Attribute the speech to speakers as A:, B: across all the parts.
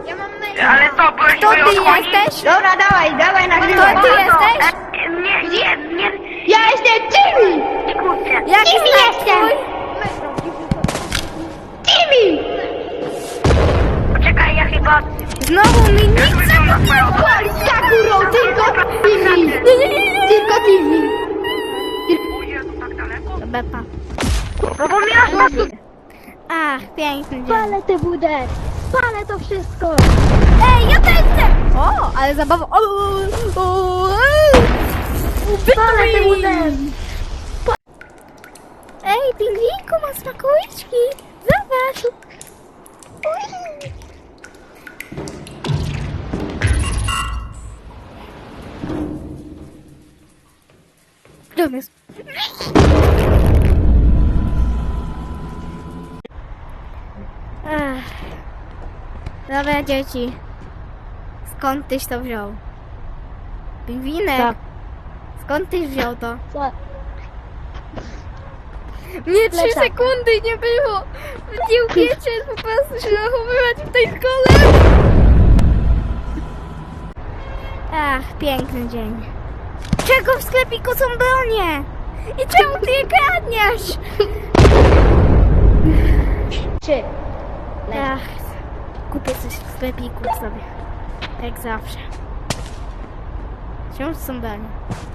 A: Ja mam maila.
B: Ale to broń
C: To ty jesteś?
A: Dobra, dawaj, nagrywaj.
C: To ty jesteś?
B: Nie,
A: Ja jestem Timmy!
B: kurczę.
C: Jaki
A: Kim
C: znak
A: jestem?
C: twój?
A: Timmy!
B: Poczekaj, ja chyba...
C: Znowu mi nic nie
A: Pali Sakuro, tylko Timmy! Tylko Timmy!
B: O Jezu, tak daleko?
C: Bepa.
B: No bo miałaś nas...
C: Ach, piękny dzień.
A: Palę tę budę! Palę to wszystko!
C: Ej, ja też chcę! O, ale zabawa.
A: Palę tę budę!
C: Ej, pingwinku ma smakołyczki. Zobacz. Gdzie on jest? Ach. Dobra, dzieci. Skąd tyś to wziął? Pingwinek?
A: Tak.
C: Skąd tyś wziął to?
A: Co?
C: Nie, 3
A: Plecak.
C: sekundy nie było. Nie umiecie po prostu się zachowywać w tej szkole. Ach, piękny dzień. Czego w sklepiku są bronie? I czemu ty je kradniesz?
A: Trzy.
C: Ach, kupię coś w sklepiku sobie. Jak zawsze. Wciąż są bronie.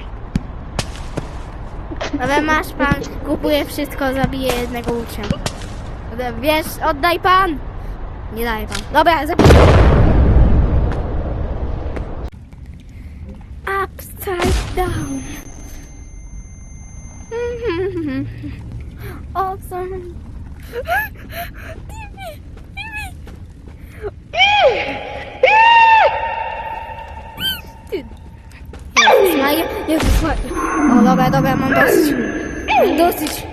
C: Ale masz pan, kupuję wszystko, zabiję jednego ucznia. Wiesz, oddaj pan! Nie daje pan. Dobra, zabiję. Upside down. Awesome. Jezus Maria, Jezus Maria. O, dobra, mam dosyć. Mam dosyć.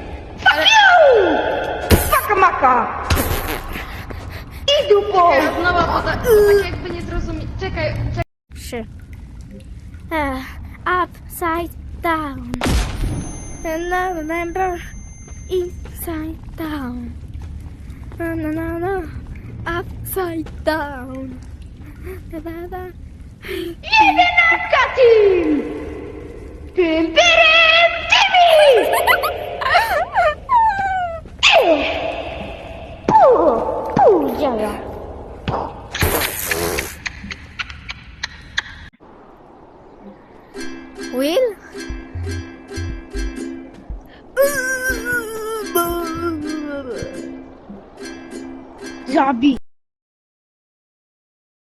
A: Paka maka! I dupo!
D: Znowu, bo tak jakby nie zrozumieć. Czekaj.
C: 3. Upside down. And I remember inside down. No. Upside down.
A: Jedenastka team! Tym pyrym Timmy! Działa.